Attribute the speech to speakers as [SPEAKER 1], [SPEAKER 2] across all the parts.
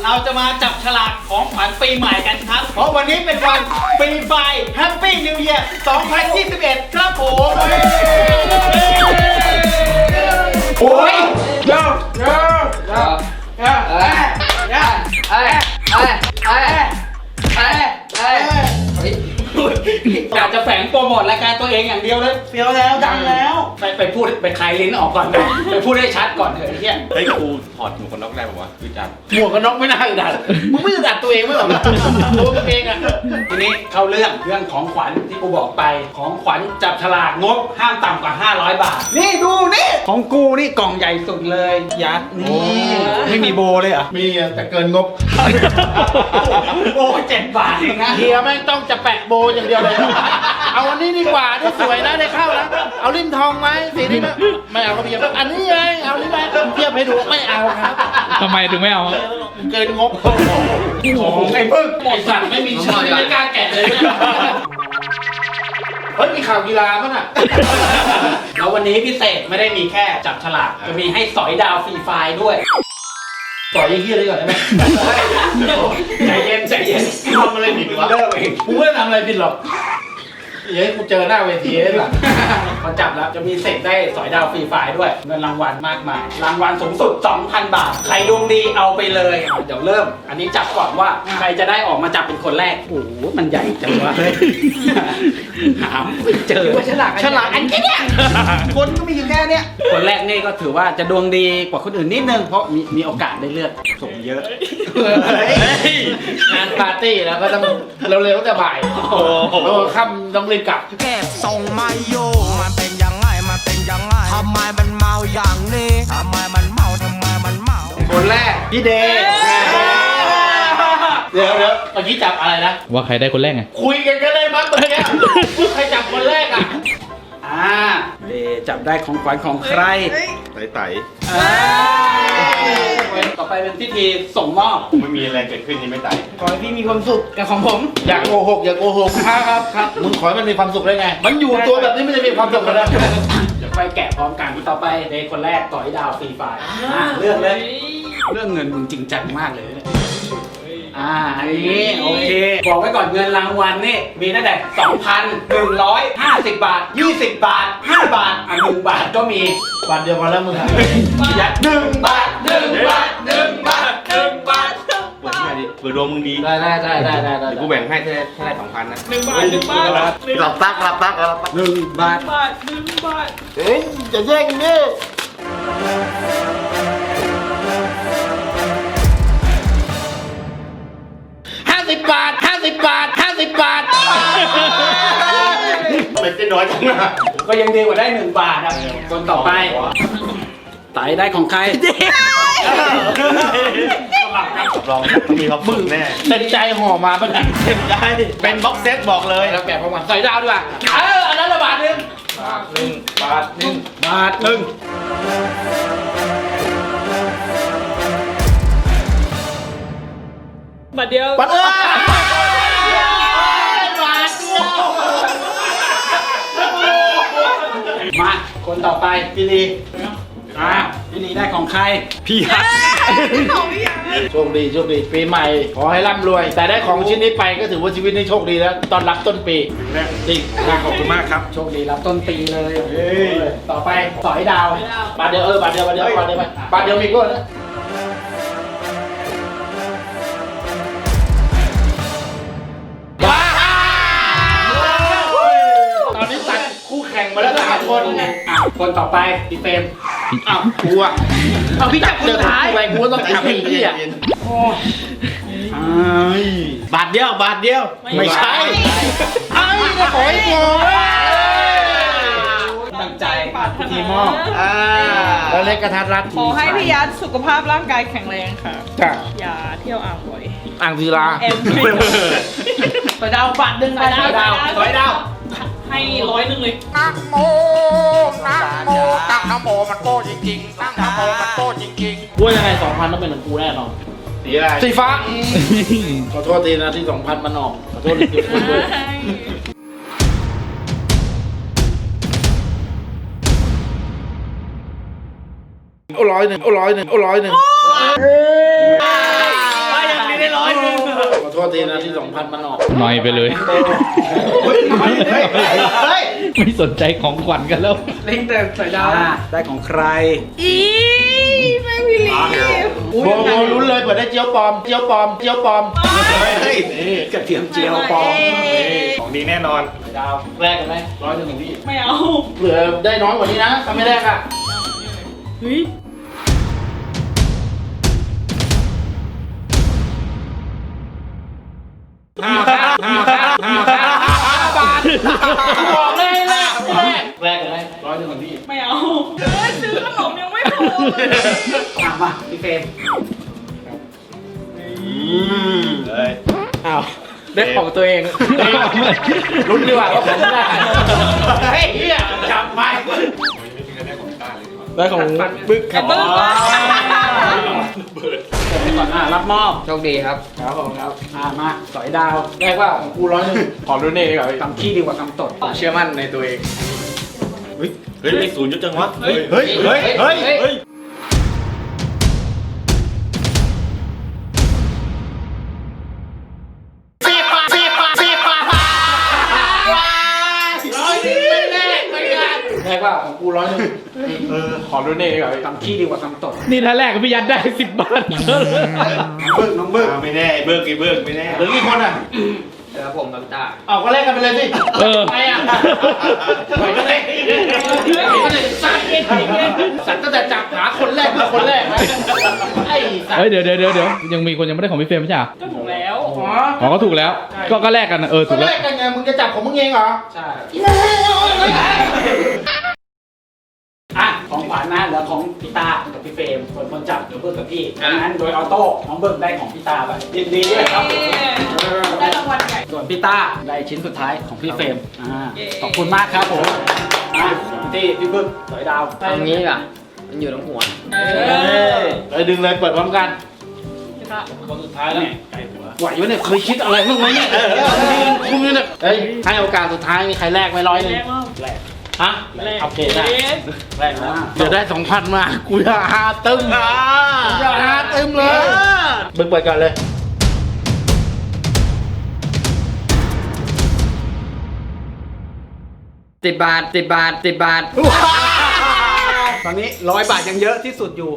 [SPEAKER 1] เราจะมาจับฉลากของขวัญปีใหม่กันครับเพราะวันนี้เป็นวันปีไฟแฮปปี้นิวเยียร์2021ครับผมโอ้ยเย้อยากจะแฝงโปรโมทรายการตัวเองอย่างเดียวเลยเฟี้ยวแล้วดังแล้วไปพูดไปคลายลิ้นออกก่อนนะไปพูดให้ชัดก่อนเถอะไอ้เหี้ย
[SPEAKER 2] เฮ้ยกูถอดหมวกกันน็อกได้ป่าวะอึดอัด
[SPEAKER 1] หมวกกันน็อกไม่น่าอึดอัดมึงไม่อึดอัดตัวเองไม่หรอกตัวมึงเองอะทีนี้เข้าเรื่องของขวัญที่กูบอกไปของขวัญจับฉลากงบห้ามต่ำกว่า500 บาทนี่ดูนี่ของกูนี่กล่องใหญ่สุดเลยยัดนี่ไม่มีโบเลยเหรอ
[SPEAKER 2] มีแต่เกินงบ
[SPEAKER 1] โบ7 บาทเองนะ
[SPEAKER 3] เฮียแม่งต้องจะแปะโบอย่างเดียวเลย เอาอันนี้ดีกว่าได้สวยนะได้เข้านะเอาริมทองไหมสีนี้ไม่เอาครับเพียบอันนี้ไงเอานี่ไหมเทียบให้ดูไม่เอาครับ
[SPEAKER 4] ทำไมถึงไม่เอา
[SPEAKER 3] เกินงบ
[SPEAKER 1] ของไอ้พึ่งไอ้สัตว์ไม่มีชื่อไม่กล้าแกะเลย
[SPEAKER 3] เฮ้ยมีข่าวกีฬาป่ะน่ะ
[SPEAKER 1] แล้ววันนี้พิเศษไม่ได้มีแค่จับฉลากจะมีให้สอยดาวฟรีไฟล์ด้วย
[SPEAKER 3] ต่อยยี่เฮียเลยก่อนได้ไหม
[SPEAKER 1] ใจเย็นใจเย็น
[SPEAKER 3] ทำอะไรผิดวะ
[SPEAKER 1] เลิกเอง
[SPEAKER 3] กูไม่ได้ทำอะไรผิดหรอกเฮ้ยกูเจอหน้าเวทีเลยล่ะ
[SPEAKER 1] พอจับแล้วจะมีเศษได้สอยดาวฟรีไฟล์ด้วยเงินรางวัลมากมายรางวัลสูงสุด 2,000 บาทใครดวงดีเอาไปเลยเดี๋ยวเริ่ม อันนี้จับก่อนว่าใครจะได้ออกมาจับเป็นคนแรกโอ้โหมันใหญ่จังวะเฮ้ยหาไม่เจอฉลากอันแค่เนี้ยคนก็มีอยู่แค่เนี้ยคนแรกนี่ก็ถือว่าจะดวงดีกว่าคนอื่นนิดนึงเพราะมีโอกาสได้เลือกส่งเยอะ
[SPEAKER 3] งานปาร์ตี้แล้วก็ต้องเร็วๆแต่บ่ายโอ้โหค่ำต้องรีบกลับ
[SPEAKER 5] เก็บส่งมาโยมันเป็นยังไงมันเป็นยังไงทำไมมันเมาอย่างนี้ทำไมมันเมาทำไมมันเมา
[SPEAKER 3] คนแรกพี่เดย์เดี๋ยวเมื่อกี้จับอะไรนะ
[SPEAKER 4] ว่าใครได้คนแรกไง
[SPEAKER 3] คุยกันก็ได้มั้งเมื่อกี้ว่าใครจับคนแรกอ่ะ
[SPEAKER 1] เดจับได้ของขวัญของใคร
[SPEAKER 2] ไต่
[SPEAKER 1] ต่อไปเป็นพิธีส่งมอบ
[SPEAKER 2] ๆไม่มีอะไรเกิดขึ้นนี่ไม่ไต่
[SPEAKER 1] ขอให้พี่มีความสุขกับของผม
[SPEAKER 3] อย่าโกหกอย่าโกหกครับมึงขอให้มันมีความสุขได้ไง มันอยู่ตัวแบบนี้ไม่ได้มีความสุขเลยนะ
[SPEAKER 1] เดี๋ยวไปแกะพร้อมกันต่อไปเดคนแรกต่อยดาวฟรีไฟล์เลือกเลยเรื่องเงินมึงจริงจังมากเลยเนี่ยอันนี้โอเคบอกไว้ก่อนเงินรางวัลนี่มีตั้งแต่ 2,150 บาท 20 บาท 5 บาท1 บาทก็มี
[SPEAKER 3] วันเดียวกันแล้วมึงอะ
[SPEAKER 1] ยัด1 บาท 1 บาท 1 บาท 1 บาท
[SPEAKER 2] เปิดที่ไหนดิเปิดดวงมึงดี
[SPEAKER 3] ได้
[SPEAKER 2] เดี๋ยวกูแบ่งให้แค่ได้2,000นะ
[SPEAKER 1] 1 บาท 1 บาท
[SPEAKER 2] หลับตัก1 บาท
[SPEAKER 1] 1 บาท
[SPEAKER 3] เฮ้ยจะแย่งนี่ 50 บาท 50 บาท 50 บาท
[SPEAKER 2] เป็นเจ๊น้อยจังนะ
[SPEAKER 1] ก็ยังดีกว่าได้1 บาทอ่ะคนต่อไปไตได้ของใคร
[SPEAKER 2] ลองต้องมีความสุขแน่
[SPEAKER 3] เต็มใจห่อมาปะเนี่ย
[SPEAKER 2] ได้เป็นบ็อกเซตบอกเลย
[SPEAKER 3] แล้วแกะพร้อมกันใส่ดาวดีกว่าอันนั้นละบาทหนึง
[SPEAKER 2] บาทหนึ่ง
[SPEAKER 3] บาทหนึ่ง
[SPEAKER 4] บัตรเดียว
[SPEAKER 3] บาทเดียว
[SPEAKER 1] มาคนต่อไปพี่ลีพี่ลีได้ของใคร
[SPEAKER 4] พี่ฮัท
[SPEAKER 3] โชคดีโชคดีปีใหม่ ขอให้ร่ำรวย แต่ได้ของชิ้นนี้ไปก็ถือว่าชีวิตนี้โชคดีแล้ว ตอนรับต้นปีจริง
[SPEAKER 2] ขอบคุณมากครับ
[SPEAKER 1] โชคดีรับต้นปีเลยต่อไปสอยดาว
[SPEAKER 3] บาทเดียวบาทเดียวไปบาทเดียวมีก็นะตอนนี้ตัดคู่แข่งมาแล้ว3 คนไง
[SPEAKER 1] คนต่อไปพี่เฟรม
[SPEAKER 3] อ้าวกูอ่ะเอาพี่จับเจอท้ายไปกูต้องทำอีกที่อ่ะบาทเดียวบาทเดียวไม่ใช่ไอ้ก็ขอให้โง่
[SPEAKER 1] ตั้งใจพิธีมอบ
[SPEAKER 3] แล้วเล็กกระทัดรัด
[SPEAKER 6] ขอให้พี่ยัดสุขภาพร่างกายแข็งแรงค่ะ
[SPEAKER 3] จ้ะ
[SPEAKER 6] อย่าเที่ยวอ่างบ่อย
[SPEAKER 3] อ่างศิลา
[SPEAKER 6] แอม
[SPEAKER 3] ไปดาวบาทหนึ่ง
[SPEAKER 6] สอยดาว
[SPEAKER 1] สอยดาว
[SPEAKER 6] ให้100เลย
[SPEAKER 5] นะโมนะโมตั้งนะโมมันโก้จริงๆตั้งนะโมมันโก้จริงๆ
[SPEAKER 3] กูว่ายังไง 2,000 ต้องเป็นของกูแน่นอน
[SPEAKER 2] สีอะไร
[SPEAKER 3] สีฟ้าขอโทษทีนะที่ 2,000 มันออกขอโทษจริงๆด้วย100 100 100 100
[SPEAKER 1] ไป
[SPEAKER 2] ได้ร้อยหนึ่ง
[SPEAKER 3] ขอโทษทีนะที่2,000มันออก
[SPEAKER 4] หน่อยไปเลย
[SPEAKER 2] เฮ้ย
[SPEAKER 4] ไม่สนใจของขวัญกันแล้ว
[SPEAKER 1] เล่นแต่สอยดาวได้ของใคร
[SPEAKER 6] อีไม่พี่ลี
[SPEAKER 3] โบลุ้นเลยเปิดได้เจียวปลอมเจียวปลอมเจียวปลอม
[SPEAKER 2] เฮ้ย
[SPEAKER 1] กระเทียมเจียวปลอม
[SPEAKER 2] ของดีแน่นอน
[SPEAKER 1] สอยดาวแรกกันไหม100ของพี่
[SPEAKER 6] ไม่เอา
[SPEAKER 3] เผื่อได้น้อยกว่านี้นะถ้าไม่แรกอ่ะ
[SPEAKER 6] เฮ้ย
[SPEAKER 1] บาทบอกเลยแรกกันไหม100ของพี่
[SPEAKER 6] ไม่เอาซื้อขนมยังไม่พอเลย
[SPEAKER 1] มาพี่เฟรม
[SPEAKER 2] เฮ้ย
[SPEAKER 1] อ้าวได้ของตัวเองลุ้นดีกว่าว่าผมได้เฮ้ยเฮียจับไปได้ของบึกครับ
[SPEAKER 6] บึ้ง
[SPEAKER 1] ก่อนรับมอบ
[SPEAKER 7] โชคดีครับ
[SPEAKER 1] ครับผมครับมาสอยดาวแรกว่าของกู100ขอรุนเองดีกว่าคำขี้ดีกว่าคำตดเชื่อมั่นในตัวเอง
[SPEAKER 2] เฮ้ยเลข0จุดจังวะ เฮ้ย เฮ้ย เฮ้ย เฮ้ย เฮ้ย
[SPEAKER 1] แรกว่าของกู100ขอรุนเองดีกว่าคำขี้ดีกว่าคำตด
[SPEAKER 4] นี่ถ้าแรกกับพี่ยัดได้10 บาท
[SPEAKER 1] น้องเบิก
[SPEAKER 2] ไม่แน่เบิกกี่เบิกไม่แน่
[SPEAKER 3] เหลือกี่คนอ่ะ
[SPEAKER 7] แล้วผมกับตา
[SPEAKER 3] เอาก็แลกกันไปเลยสิ
[SPEAKER 4] เออ
[SPEAKER 3] ไปอ่ะไปก็เลยสัตว์ตั้งแต่จับหาคนแรกมาคนแรกนะไอ้สัตว์
[SPEAKER 4] เฮ้ยเดี๋ยวยังมีคนยังไม่ได้ของพี่เฟรมไม่ใช่เหรอ
[SPEAKER 6] ก็ถูกแล้ว
[SPEAKER 3] อ๋อ
[SPEAKER 4] อ๋อก็ถูกแล้ว ก็แลกกันนะถู
[SPEAKER 3] ก็
[SPEAKER 4] กแล้
[SPEAKER 3] แร
[SPEAKER 4] ว
[SPEAKER 3] กกันไงมึงจะจับของมึงเองเหรอ
[SPEAKER 1] ใช่ของขวัญนะเหลือของพี่ตากับพี่เฟรมส่วนคนจับเดี๋ยวเบิกกับพี่งั้นโดยออโต้น้องเบิกได้ของพี่ตาไปยินดีด้วยครับ
[SPEAKER 6] ได้รางวัลใหญ่
[SPEAKER 1] ส่วนพี่ต้าได้ชิ้นสุดท้ายของพี่เฟรมขอบคุณมากครับผมพี่บึ้งสอยดาว
[SPEAKER 7] ตรงนี้อ่ะ มันอยู่ตรงหัว
[SPEAKER 3] เลยดึงเลยเปิดพร้อมกัน
[SPEAKER 1] คนสุดท้ายแล้วไก่หัว
[SPEAKER 3] ไหวไหมเนี่ยเคยคิดอะไรบ้างไหมเนี่ยคุณเนี่ยเฮ้ยให้โอกาสสุดท้ายมีใครแลกไหม100
[SPEAKER 6] แรกว่า
[SPEAKER 3] ฮะ
[SPEAKER 6] แรก
[SPEAKER 3] โอเคได้
[SPEAKER 1] แรกแล้ว
[SPEAKER 3] เดี๋ยวได้2,000มากูจะหาตึมกูจะหาตึมเลยบึงเปิดก่อนเลย
[SPEAKER 7] 10 บาท 10 บาท 10 บาท
[SPEAKER 1] ตอนนี้100 บาทยังเยอะที่สุดอยู่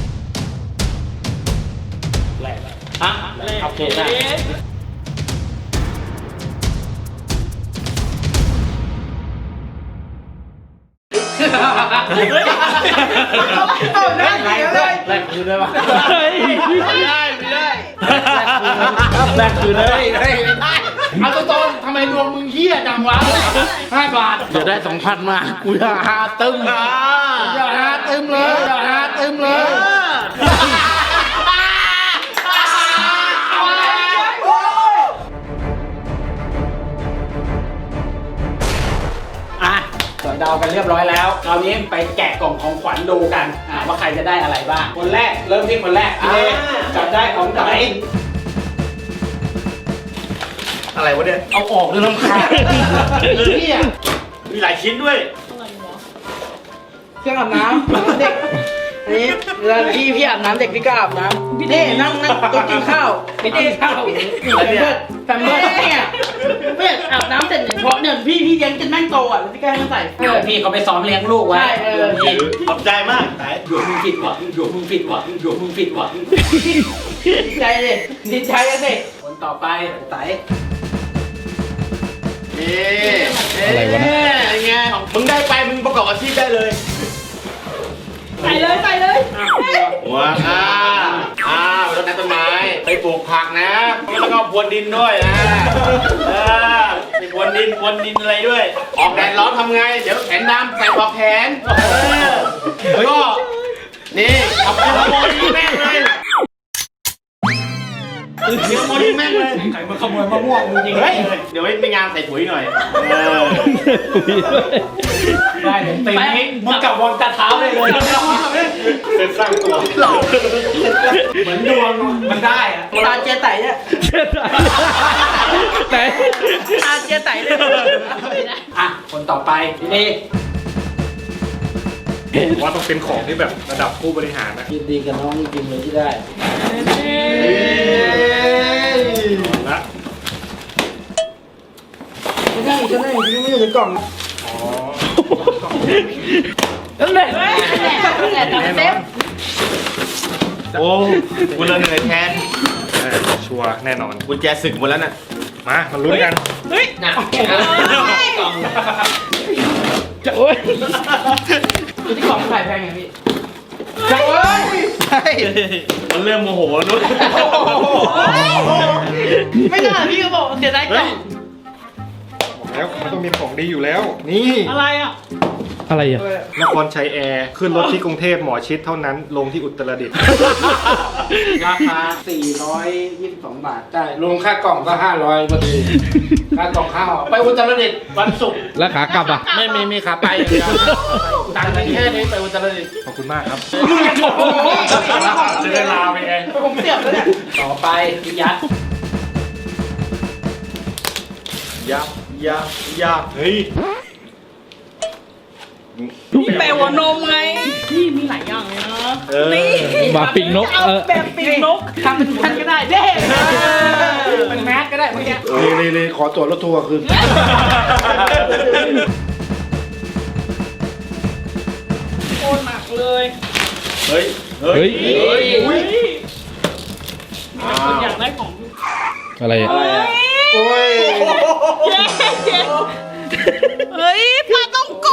[SPEAKER 1] แรกแล้วฮะโอเคได้แรกคืนได้ปะ
[SPEAKER 2] ไม่ได้ไม่ได้
[SPEAKER 3] แรกคืนเลยเอาตรงๆทำไมดวงมึงเหี้ยจังวะ5 บาทเดี๋ยวได้2,000มากูจะหาตึมกูจะหาตึมเลยจะหาตึมเลย
[SPEAKER 1] อ่ะสอยดาวกันเรียบร้อยแล้วคราวนี้ไปแกะกล่องของขวัญดูกันว่าใครจะได้อะไรบ้างคนแรกเริ่มที่คนแรกพี่เอจับได้ของไหน
[SPEAKER 2] อะไรวะเนี่ย
[SPEAKER 3] เอาออกเลยลำคาญเหี้ย
[SPEAKER 2] มีหลายชิ้นด้วย
[SPEAKER 7] เครื่องอาบน้ำเด็ก อันนี้เวลาพี่อาบน้ำเด็กพี่ก็อาบน้ำนี่นั่งโต๊ะกินข้าวไม่ได้ข้าวแฟมเบิร์ดเนี่ยเพื่อนอาบน้ำเสร็จเพราะเนี่ยพี่เลี้ยงจนแม่งโตอ่ะแล้วพี่ก็ให้มันใส่
[SPEAKER 1] พี่เขาไปซ้อมเลี้ยงลูกไว้
[SPEAKER 7] ใช่
[SPEAKER 2] ขอบใจมากไหน
[SPEAKER 1] ดวงมึงผิดหวังดวงมึงผิดหวังดวงมึงผิดหวัง
[SPEAKER 7] ดีใจเลยดีใจกันสิ
[SPEAKER 1] คนต่อไปไต
[SPEAKER 4] อะไรวะเนี่ย
[SPEAKER 2] ไงมึงได้ไปมึงประกอบอาชีพได้เลย
[SPEAKER 6] ใส่เลยใส่เลย
[SPEAKER 2] หัวไปรดน้ำต้นไม้ไปปลูกผักนะแล้วก็พรวนดินด้วยนะไปพรวนดินอะไรด้วย ออกแดดร้อนทำไง เดี๋ยวแขนดำใส่ปลอกแขนก็นี่เอาไปขโมยแม่งเลยขโมยแม่งเลย
[SPEAKER 1] ใครมาขโมยมะม่วงมึงจริง
[SPEAKER 2] เฮ้ยเดี๋ยวไปงานใส่ปุ๋ยหน่อย
[SPEAKER 1] ได้เลยตีนี้มึงกับวงตาเท้าเลยเลย
[SPEAKER 2] เป็นสร้างตัว
[SPEAKER 1] เหมือนดวงมันได้อะ
[SPEAKER 7] ตาเจ๊ไต่เนี่ย
[SPEAKER 4] ไหน
[SPEAKER 7] ตาเจ๊ไต่เลย
[SPEAKER 1] อ่ะคนต่อไปพี่เอ
[SPEAKER 2] ว่าต้องเป็นของที่แบบระดับผู้บริหารนะ
[SPEAKER 3] ยินดีกับน้องจริงๆเลยที่ได้
[SPEAKER 7] ก็ได้พี่ไม่อยู่ในกล่อง
[SPEAKER 4] นั่นแหละ
[SPEAKER 6] เซฟ
[SPEAKER 2] โอ้กูเลยเหนื่อยแทน
[SPEAKER 3] ชัวร์แน่นอน
[SPEAKER 2] กุญแจศึกหมดแล้วน่ะ
[SPEAKER 3] มาลุ้นกัน
[SPEAKER 6] เฮ้ย
[SPEAKER 1] หนัก
[SPEAKER 4] จะโอ๊ย
[SPEAKER 7] อยู่ที่กล่องขายแพงไงพี่
[SPEAKER 2] มันเริ่มโมโหแล้วนุ้ย
[SPEAKER 7] ไม่ได้พี่ก็บอกเสียดายกล่อง
[SPEAKER 3] แล้วมันต้องมีของดีอยู่แล้ว นี่
[SPEAKER 6] อะไรอ่ะ
[SPEAKER 4] อะไรอ่ะ
[SPEAKER 3] นครชัยแอร์ขึ้นรถที่กรุงเทพหมอชิดเท่านั้นลงที่อุตรดิตถ์
[SPEAKER 1] ราคา 422 บาท
[SPEAKER 7] ได้รวมค่ากล่องก็500พอดีค่ากล่องข้าวไปอุตรดิตถ์วันศุกร์
[SPEAKER 4] แล้วขากลับอ่ะ
[SPEAKER 7] ไม่มีขาไปอย่างเดียวตังค์แค่นี้ไปอุตรดิตถ์
[SPEAKER 3] ขอบคุณมากครับ
[SPEAKER 7] เจอลาไปไงผมเสียบแล้วเนี่ย
[SPEAKER 1] ต่อไปพี่ยัด
[SPEAKER 3] ยับเฮ้ย
[SPEAKER 6] แปลว่านมไง นี่มีหลายอย่างเลยนะ นี่
[SPEAKER 4] บาปิงนก
[SPEAKER 6] เอาแบบปีกนก
[SPEAKER 7] ทำเป็นแมสก็ได้เด้เป็นแมสก็ได้เมื่อกี้เลยขอตั๋วรถทัวร์คืน
[SPEAKER 6] โคตรหนักเลย
[SPEAKER 2] เฮ้ย
[SPEAKER 4] เฮ้ย
[SPEAKER 6] เฮ้ยมีแต่คนอยากได้ของ
[SPEAKER 4] อะไรอ่ะ
[SPEAKER 7] โอ้ย
[SPEAKER 6] เย้เฮ้ยปลาต้องโก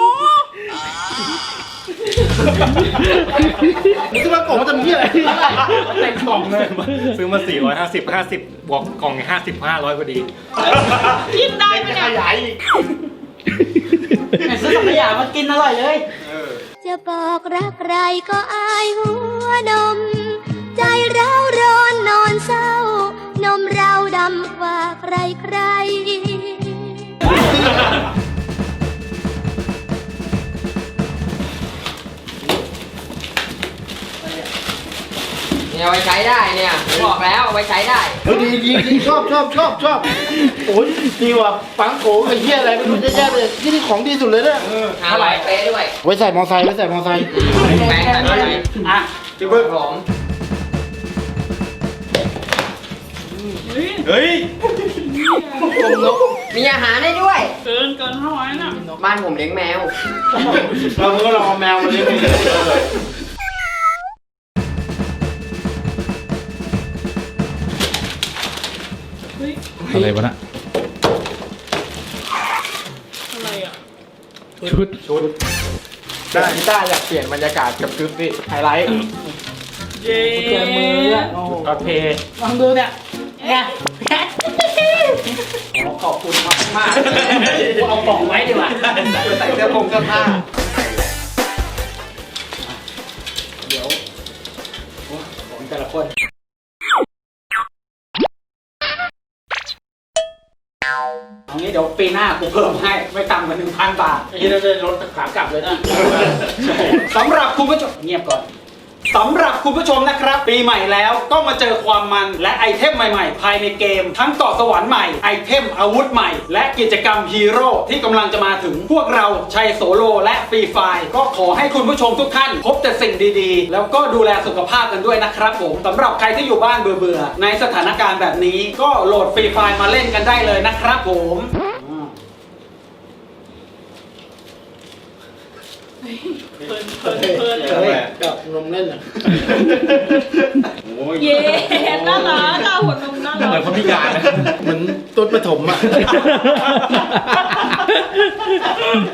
[SPEAKER 7] นี่คือว่ากล่องมันจะมีอะไรเต็มกล่องเลย
[SPEAKER 3] ซื้อมา450บวกกล่อง50 500พอดี
[SPEAKER 6] กินได้ไหมเนี่ย
[SPEAKER 7] ซื้อสังขยามากินอร่อยเลย
[SPEAKER 8] จะบอกรักใครก็อายหัวนม ใจเราร้อนนอนเศร้า นมเราดำกว่าใครใคร
[SPEAKER 9] เนี่ยเอาไว้ใช้ได้เนี่ยผมบอกแล้วเอาไว้ใช้ได้
[SPEAKER 7] ดีชอบโอ้ยดีว่ะปังโกไอ้เหี้ยอะไรไม่รู้แย่ๆเลยนี่ของดีสุดเลยเนี่ย
[SPEAKER 9] หาไว้เป๊ะด้วย
[SPEAKER 7] ไว้ใส่มอไซค์
[SPEAKER 9] แปรงใส่ไม่ใช้
[SPEAKER 1] อ่ะ
[SPEAKER 2] พี่เบิ้ล
[SPEAKER 9] ผม
[SPEAKER 2] เฮ้ย
[SPEAKER 9] มีอาหารให้ด้วย
[SPEAKER 6] เกิน500น่ะ
[SPEAKER 9] บ้านผมเลี้ยงแมว
[SPEAKER 7] เราก็ลองเอาแมวมาเลี้ยง
[SPEAKER 4] อะไรวะน่ะ
[SPEAKER 6] อะไรอ่ะ
[SPEAKER 4] ชุด
[SPEAKER 7] ได้พี่ต้าอยากเปลี่ยนบรรยากาศกับชุดนี่ไฮไลท์
[SPEAKER 6] เย้
[SPEAKER 7] เจอมือโอ้โหโอเคลองดูเนี่ยเนี่ย
[SPEAKER 1] ขอบคุณมากมากๆเอากล่องไว้ดีกว่าใส่เสื้อผงเสื้อผ้าเดี๋ยวโอ้ของแต่ละคนเอางี้เดี๋ยวปีหน้ากูเพิ่มให้ไม่ต่ำกว่า 1,000 บาท
[SPEAKER 7] ไอ้ที่เราจะลดขากลับเลยนะ
[SPEAKER 1] สำหรับคุณผู้ชมเงียบก่อนสำหรับคุณผู้ชมนะครับ ปีใหม่แล้วก็มาเจอความมันและไอเทมใหม่ๆ ภายในเกม ทั้งเกาะสวรรค์ใหม่ไอเทมอาวุธใหม่ และกิจกรรมฮีโร่ที่กำลังจะมาถึงพวกเราชัยโสโลและฟรีไฟร์ก็ขอให้คุณผู้ชมทุกท่านพบแต่สิ่งดีๆ แล้วก็ดูแลสุขภาพกันด้วยนะครับผมสำหรับใครที่อยู่บ้านเบื่อๆในสถานการณ์แบบนี้ก็โหลดฟรีไฟร์มาเล่นกันได้เลยนะครับผม
[SPEAKER 6] เพลิน
[SPEAKER 7] กับนมเล่นอ่ะ
[SPEAKER 6] เย้น่ารักอ่ะหัวนมน่ารัก
[SPEAKER 2] เหมือนคนพิการนะ
[SPEAKER 7] เหมือนต้นปฐมอ่ะ